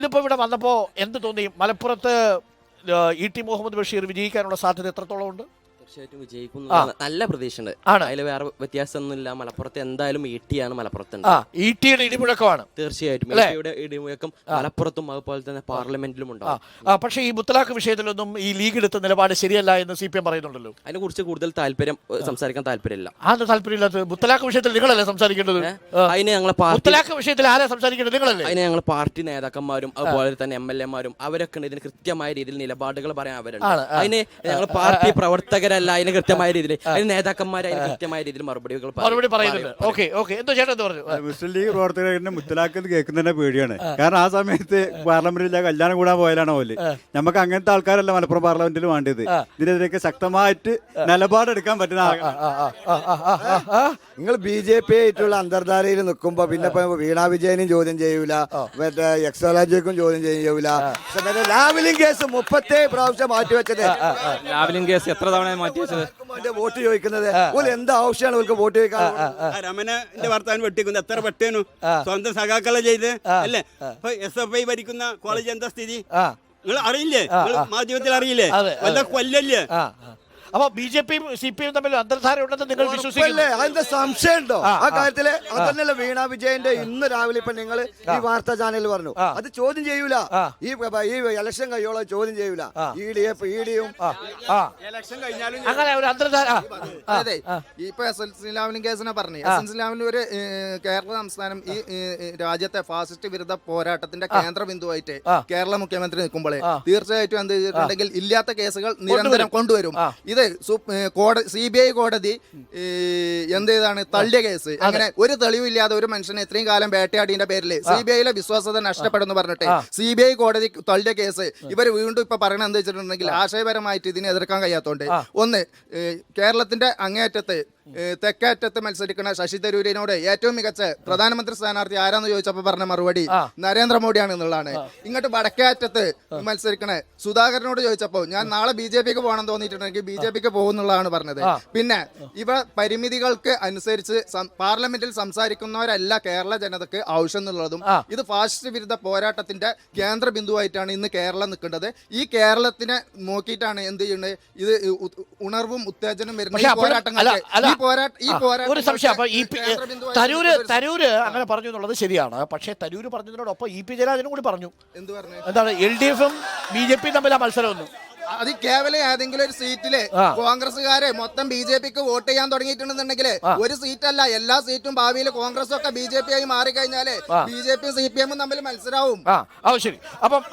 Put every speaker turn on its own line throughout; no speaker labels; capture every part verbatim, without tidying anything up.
ഇതിപ്പോൾ ഇവിടെ വന്നപ്പോൾ എന്ത് തോന്നി? മലപ്പുറത്ത് ഇ ടി മുഹമ്മദ് ബഷീർ വിജയിക്കാനുള്ള സാധ്യത എത്രത്തോളം ഉണ്ട്?
തീർച്ചയായിട്ടും വിജയിക്കും, നല്ല പ്രതീക്ഷയുണ്ട്. അതിൽ വേറെ വ്യത്യാസമൊന്നുമില്ല. മലപ്പുറത്ത് എന്തായാലും ഇ ടി ആണ് മലപ്പുറത്തുണ്ട്.
ഇടിയുടെ ഇടിമുഴക്കമാണ്
തീർച്ചയായിട്ടും. ഇടിയുടെ ഇടിമുഴക്കം മലപ്പുറത്തും അതുപോലെ തന്നെ പാർലമെന്റിലും ഉണ്ടാവും.
പക്ഷേ ഈ മുത്തലാഖ് വിഷയത്തിലൊന്നും ഈ ലീഗ് എടുത്ത നിലപാട് ശരിയല്ല എന്ന് സി പി എം പറയുന്നുണ്ടല്ലോ.
അതിനെ കുറിച്ച് കൂടുതൽ താല്പര്യം സംസാരിക്കാൻ താല്പര്യമില്ല.
അത് താല്പര്യമില്ലാത്ത മുത്തലാഖ് വിഷയത്തിൽ നിങ്ങളല്ലേ സംസാരിക്കേണ്ടത്?
അതിന് ഞങ്ങളെ
മുത്തലാഖ് വിഷയത്തിൽ ആരാ സംസാരിക്കേണ്ടത്? നിങ്ങളല്ലേ.
അതിന് ഞങ്ങൾ പാർട്ടി നേതാക്കന്മാരും അതുപോലെ തന്നെ എം എൽ എമാരും അവരൊക്കെ ഇതിന് കൃത്യമായ രീതിയിൽ നിലപാടുകൾ പറയാൻ അവരുണ്ട്. അതിന് ഞങ്ങൾ പാർട്ടി പ്രവർത്തകര അതിന് കൃത്യമായ രീതിയിൽ അതിന് നേതാക്കന്മാർ അതിന് കൃത്യമായ രീതിയിൽ മറുപടികൾ
മറുപടി പറയുന്നുണ്ട്. ഓക്കെ ഓക്കെ എന്തോ ചേട്ടൻ എന്താ പറഞ്ഞു?
മുസ്ലിം ലീഗ് പ്രവർത്തകരെ മുത്തലാഖ് കേൾക്കുന്നതിന്റെ പേടിയാണ്. കാരണം ആ സമയത്ത് പാർലമെന്റിൽ കല്യാണം കൂടാൻ പോയാലാണ് പോലെ. നമുക്ക് അങ്ങനത്തെ ആൾക്കാരല്ല മലപ്പുറം പാർലമെന്റിൽ വേണ്ടത്. ഇതിനെതിരെയൊക്കെ ശക്തമായിട്ട് നിലപാടെടുക്കാൻ പറ്റുന്ന
നിങ്ങൾ ബി ജെ പി ആയിട്ടുള്ള അന്തർധാരയിൽ നിൽക്കുമ്പോ പിന്നെ വീണാ വിജയനും ചോദ്യം ചെയ്യൂല, മറ്റേ എക്സോളജിക്കും ചോദ്യം ചെയ്യൂല. ലാവ്ലിൻ കേസ് മുപ്പത്തേ പ്രാവശ്യം മാറ്റിവെച്ചത്.
ലാവ്ലിൻ കേസ് എത്ര തവണ മാറ്റിവെച്ചത്?
വോട്ട് ചോദിക്കുന്നത് എന്താ ആവശ്യമാണ് അവർക്ക് വോട്ട് ചോദിക്കാൻ?
രമണന്റെ വർത്താനം വെട്ടിക്കുന്നത് എത്ര വെട്ടേനു സ്വന്തം സഖാക്കളെ ചെയ്ത് അല്ലേ? എസ് എഫ് ഐ ഭരിക്കുന്ന കോളേജ് എന്താ സ്ഥിതി നിങ്ങൾ അറിയില്ലേ? മാധ്യമത്തിൽ അറിയില്ലേ? വല്ല കൊല്ലല്ലേ?
അപ്പൊ ബി ജെ പിയും സി പി എം തമ്മിൽ അന്തർധാര ഉണ്ടെന്ന് നിങ്ങൾ വിശ്വസിക്കില്ലേ?
അതിന്റെ സംശയം ഉണ്ടോ ആ കാര്യത്തില്? അതന്നെയല്ല വീണാ വിജയന്റെ ഇന്ന് രാവിലെ ഇപ്പൊ നിങ്ങൾ ഈ വാർത്താ ചാനലിൽ പറഞ്ഞു അത് ചോദ്യം ചെയ്യൂല. ഈ ഈ ഇലക്ഷൻ കഴിയോളം ചോദ്യം ചെയ്യൂല. ഇഡിയും
ഇലക്ഷൻ കഴിഞ്ഞാലും
അങ്ങനെ ഒരു അന്തർധാര.
അതെ, ഇപ്പൊ എസ് എൽ സ്ലാമിനും കേസിനെ പറഞ്ഞു. എസ് എൽ സ്ലാമിന് ഒരു കേരള സംസ്ഥാനം ഈ രാജ്യത്തെ ഫാസിസ്റ്റ് വിരുദ്ധ പോരാട്ടത്തിന്റെ കേന്ദ്ര ബിന്ദുവായിട്ട് കേരള മുഖ്യമന്ത്രി നിൽക്കുമ്പോഴേ തീർച്ചയായിട്ടും എന്ത് ചെയ്തിട്ടുണ്ടെങ്കിൽ ഇല്ലാത്ത കേസുകൾ നിരന്തരം കൊണ്ടുവരും. ഇത് സി ബി ഐ കോടതി എന്ത് ചെയ്താണ് തള്ളിയ കേസ്. അങ്ങനെ ഒരു തെളിവില്ലാതെ ഒരു മനുഷ്യനെ ഇത്രയും കാലം വേട്ടയാടിന്റെ പേരിൽ സി ബി ഐയിലെ വിശ്വാസത നഷ്ടപ്പെടുന്നു പറഞ്ഞിട്ട് സി ബി ഐ കോടതി തള്ളിയ കേസ് ഇവർ വീണ്ടും ഇപ്പൊ പറയണത് എന്താ വെച്ചിട്ടുണ്ടെങ്കിൽ ആശയപരമായിട്ട് ഇതിനെ എതിർക്കാൻ കഴിയാത്തോണ്ട് ഒന്ന് കേരളത്തിന്റെ അങ്ങേയറ്റത്ത് തെക്കേറ്റത്ത് മത്സരിക്കുന്ന ശശി തരൂരിനോട് ഏറ്റവും മികച്ച പ്രധാനമന്ത്രി സ്ഥാനാർത്ഥി ആരാന്ന് ചോദിച്ചപ്പോ പറഞ്ഞ മറുപടി നരേന്ദ്രമോദിയാണ് എന്നുള്ളതാണ്. ഇങ്ങോട്ട് വടക്കേറ്റത്ത് മത്സരിക്കണ സുധാകരനോട് ചോദിച്ചപ്പോ ഞാൻ നാളെ ബി ജെ പിക്ക് പോകണം തോന്നിയിട്ടുണ്ടെങ്കിൽ ബി ജെ പിക്ക് പോകുന്നുള്ളതാണ് പറഞ്ഞത്. പിന്നെ ഇവ പരിമിതികൾക്ക് അനുസരിച്ച് പാർലമെന്റിൽ സംസാരിക്കുന്നവരല്ല കേരള ജനതക്ക് ആവശ്യം എന്നുള്ളതും ഇത് ഫാസിസ്റ്റ് വിരുദ്ധ പോരാട്ടത്തിന്റെ കേന്ദ്ര ബിന്ദുവായിട്ടാണ് ഇന്ന് കേരളം നിൽക്കേണ്ടത്. ഈ കേരളത്തിനെ നോക്കിയിട്ടാണ് എന്ത് ചെയ്യുന്നത്? ഇത് ഉണർവും ഉത്തേജനം വരുന്ന ഈ പോരാട്ടങ്ങൾക്ക്
ഒരു സംശയം. അപ്പൊ ഈ തരൂര് തരൂര് അങ്ങനെ പറഞ്ഞു എന്നുള്ളത് ശരിയാണ്. പക്ഷേ തരൂര് പറഞ്ഞതിനോടൊപ്പം ഇ പി ജയരാജനും കൂടി പറഞ്ഞു. എന്താണ് എൽ ഡി എഫും ബി ജെ പിയും തമ്മിൽ ആ മത്സരമൊന്നും
അത് കേവലം ഏതെങ്കിലും ഒരു സീറ്റില് കോൺഗ്രസ്സുകാരെ മൊത്തം ബി ജെ പിക്ക് വോട്ട് ചെയ്യാൻ തുടങ്ങിയിട്ടുണ്ടെന്നുണ്ടെങ്കിൽ ഒരു സീറ്റല്ല എല്ലാ സീറ്റും ഭാവിയിൽ കോൺഗ്രസ് ഒക്കെ ബി ജെ പി ആയി മാറിക്കഴിഞ്ഞാല് ബി ജെ പിയും സി പി എമ്മും തമ്മിൽ മത്സരവും.
ശരി. അപ്പം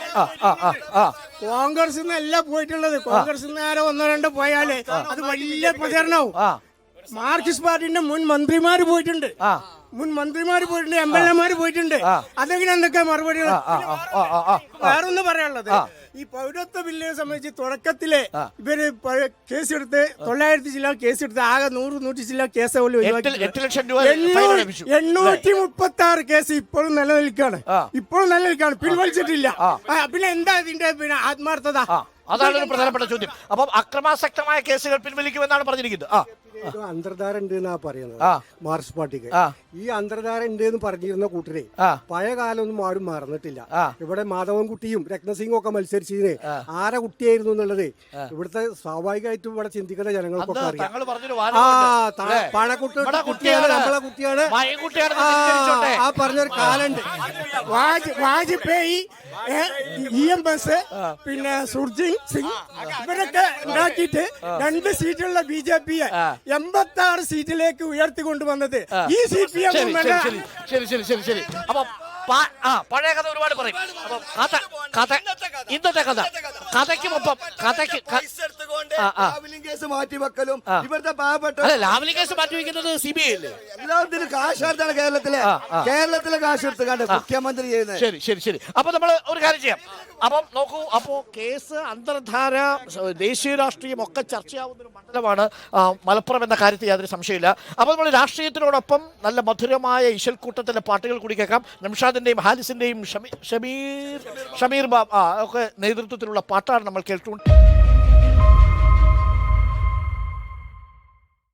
കോൺഗ്രസ് അല്ല പോയിട്ടുള്ളത്. കോൺഗ്രസ് ആരോ ഒന്നോ രണ്ടോ പോയാല് അത് വലിയ പ്രചരണവും. മാർക്സിസ്റ്റ് പാർട്ടിന്റെ മുൻ മന്ത്രിമാര് പോയിട്ടുണ്ട്, മുൻ മന്ത്രിമാര് പോയിട്ടുണ്ട്, എം എൽ എമാര് പോയിട്ടുണ്ട്. അതെങ്ങനെ എന്തൊക്കെ മറുപടി? വേറൊന്ന് പറയാനുള്ളത്, ഈ പൗരത്വ ബില്ലിനെ സംബന്ധിച്ച് തുടക്കത്തില് ഇവര് കേസെടുത്ത് തൊള്ളായിരത്തി ജില്ല കേസെടുത്ത് ആകെ നൂറ് നൂറ്റി ജില്ല കേസ് പോലും എണ്ണൂറ്റി മുപ്പത്തി ആറ് കേസ് ഇപ്പോഴും നിലനിൽക്കാണ്. ഇപ്പോഴും നിലനിൽക്കാണ്, പിൻവലിച്ചിട്ടില്ല. പിന്നെ എന്താ ഇതിന്റെ പിന്നെ ആത്മാർത്ഥത?
അതാണ് ഒരു പ്രധാനപ്പെട്ട ചോദ്യം. അപ്പം അക്രമാസക്തമായ കേസുകൾ പിൻവലിക്കുമെന്നാണ് പറഞ്ഞിരിക്കുന്നത്.
അന്തർധാര ഉണ്ട് എന്നാ പറയുന്നത് മാർക്സിസ്റ്റ് പാർട്ടിക്ക്. ഈ അന്തർധാര ഉണ്ട് എന്ന് പറഞ്ഞിരുന്ന കൂട്ടരെ പഴയ കാലമൊന്നും ആരും മറന്നിട്ടില്ല. ഇവിടെ മാധവൻകുട്ടിയും രത്നസിംഗും ഒക്കെ മത്സരിച്ചതിന് ആരെ കുട്ടിയായിരുന്നു എന്നുള്ളത് ഇവിടുത്തെ സ്വാഭാവികമായിട്ടും ഇവിടെ ചിന്തിക്കുന്ന ജനങ്ങൾക്കൊക്കെ അറിയാം. ആ പണക്കുട്ടി കുട്ടിയാണ്, നമ്മളെ കുട്ടിയാണ്. ആ പറഞ്ഞൊരു കാലുണ്ട്.
വാജ്പേയി, ഇ എം എസ്, പിന്നെ സുർജിത് സിംഗ് ഇവരൊക്കെ ഉണ്ടാക്കിയിട്ട് രണ്ട് സീറ്റുള്ള ബി ജെ പിയെ എൺപത്തി ആറ് സീറ്റിലേക്ക് ഉയർത്തിക്കൊണ്ടുവന്നത് ഈ സി പി എം.
ശരി ശരി ശരി ശരി. അപ്പൊ പഴയ കഥ ഒരുപാട് പറയും. അപ്പൊ കഥ കഥ ഇന്നത്തെ കഥ കഥയ്ക്കുമൊപ്പം കഥയ്ക്ക്
കേസ് മാറ്റിവെക്കലും ഇവിടുത്തെ പാവപ്പെട്ട
ലാവ്ലിൻ കേസ് മാറ്റിവെക്കുന്നത് സി ബി ഐ അല്ലേ?
എല്ലാത്തിനും കാശെടുത്താണ് കേരളത്തിലെ കേരളത്തിലെ കാശെടുത്ത് മുഖ്യമന്ത്രി ചെയ്യുന്നത്.
ശരി ശരി ശരി. അപ്പൊ നമ്മൾ ഒരു കാര്യം ചെയ്യാം. അപ്പം നോക്കൂ, അപ്പോ കേസ് അന്തർധാര ദേശീയ രാഷ്ട്രീയം ഒക്കെ ചർച്ചയാവുന്ന ഒരു മണ്ഡലമാണ് മലപ്പുറം എന്ന കാര്യത്തിൽ യാതൊരു സംശയമില്ല. അപ്പോൾ നമ്മൾ രാഷ്ട്രീയത്തിനോടൊപ്പം നല്ല മധുരമായ ഇശൽക്കൂട്ടത്തിലെ പാട്ടുകൾ കൂടി കേൾക്കാം. നംഷാദിന്റെയും ഹാരിസിന്റെയും ഷമീർ ഷമീർ ബാബ് ഒക്കെ നേതൃത്വത്തിലുള്ള പാട്ടാണ് നമ്മൾ കേൾക്കുന്നത്.